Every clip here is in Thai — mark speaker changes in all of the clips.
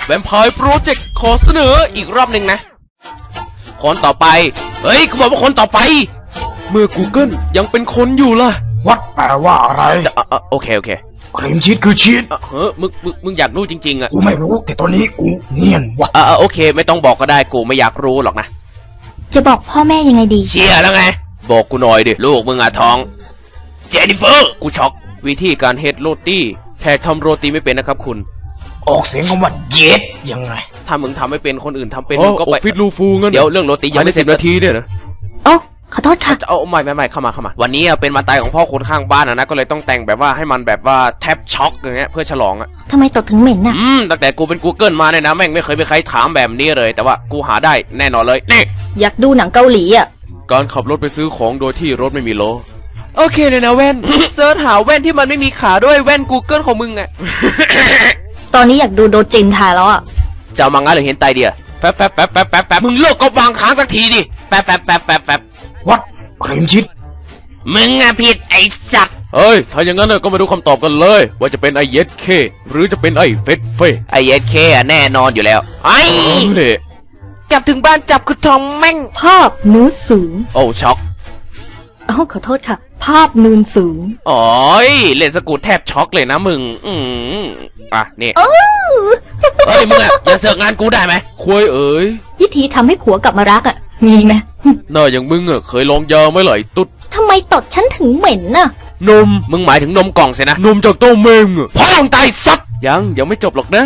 Speaker 1: แวมไพร์โปรเจกต์ขอเสนออีกรอบหนึ่งนะคนต่อไปเฮ้ยกูบอกว่าคนต่อไปเมื่อ Google ยังเป็นคนอยู่ล่ะ
Speaker 2: วัดแปลว่าอะไร
Speaker 1: โอเค
Speaker 2: ครีมชีสคือชีส
Speaker 1: มึงอยากรู้จริงๆอ่ะ
Speaker 2: กูไม่รู้แต่ตอนนี้กูเงียนว่ะ
Speaker 1: โอเคไม่ต้องบอกก็ได้กูไม่อยากรู้หรอกนะ
Speaker 3: จะบอกพ่อแม่ยังไงดี
Speaker 1: เชียร์แล้วไงบอกกูหน่อยดิลูกมึงอะท้องเจนนิเฟอร์กูช็อกวิธีการเฮ็ดโรตีแขกทำโรตีไม่เป็นนะครับคุณ
Speaker 2: ออกเสียงคำว่าเย็ดยังไง
Speaker 1: ถ้ามึงทำไม่เป็นคนอื่นทำเป็น
Speaker 4: อ๋อ
Speaker 1: มึงก็ไป
Speaker 4: ออฟฟิศลูฟูงั้น
Speaker 1: เดี๋ยวเรื่องโรตียังไม่เสร็จ
Speaker 4: นาทีเนี่ยนะ
Speaker 3: โอ้ขอโทษค่ะ
Speaker 1: จะเอาไม่เข้ามาวันนี้เป็นวันตายของพ่อคนข้างบ้านนะก็เลยต้องแต่งแบบว่าให้มันแบบว่าแทบช็อกอย่างเงี้ยเพื่อฉลองอ่ะ
Speaker 3: ทำไมตดถึงเหม็นน่ะ
Speaker 1: ตั้งแต่กูเป็น Google มาเนี่ยนะแม่งไม่เคยมีใครถามแบบนี้เลยแต่ว่ากูหาได้แน่นอนเลยนี่
Speaker 3: อยากดูหนังเกาหลีอ่ะ
Speaker 4: การขับรถไปซื้อของโดยที่รถไม่มีล้อ
Speaker 1: โอเคเลยนะแว่น เซิร์ชหาแว่นที่มันไม่มีขาด้วยแว่น Google ของมึงอ่ะ
Speaker 3: ตอนนี้อยากดูโดจินถ่ายแล้วอ่ะ
Speaker 1: จะเอามังงะหรือเห็นไตเดียแป๊บมึงเลิกก็วางค้างสักทีดิแป๊บ
Speaker 2: วัดครีมชีส
Speaker 1: มึงอะผิดไอ้สัตว์
Speaker 4: เฮ้ยถ้าอย่างนั้นก็มาดูคำตอบกันเลยว่าจะเป็นไอเย็ดเคหรือจะเป็นไอเฟสเฟ
Speaker 1: ไอ้เอสเคอะแน่นอนอยู่แล้วไอ้
Speaker 4: เฮ้ย
Speaker 1: กลับถึงบ้านจับคือทองแม่ง
Speaker 3: ภาพนูดสูง
Speaker 1: โอ้ช็อก
Speaker 3: เอ้าขอโทษค่ะ ภาพนูนสูง
Speaker 1: อ๋อเล่นสกูตแทบช็อกเลยนะมึงอ่ะนี่เฮ้ยมึงอะอย่าเสือกงานกูได้ไหม
Speaker 4: ควยเอ๋ย
Speaker 3: วิธีทำให้ผัวกลับมารักอ่ะ มีไหม
Speaker 4: หน้าอย่างมึงเคยลองยาไหมไหลตุ๊ด
Speaker 3: ทำไมตดฉันถึงเหม็นน่ะ
Speaker 4: นม
Speaker 1: มึงหมายถึงนมกล่องสินะ
Speaker 4: นมจากเต้าเมง
Speaker 1: พ่อมึงตายสัตว์
Speaker 4: ยังไม่จบหรอกนะ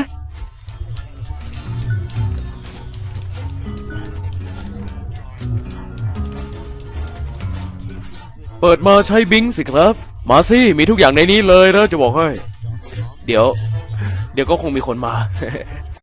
Speaker 4: เปิดมาใช้บิงสิครับ มาสิมีทุกอย่างในนี้เลยนะจะบอกให้
Speaker 1: เดี๋ยวก็คงมีคนมา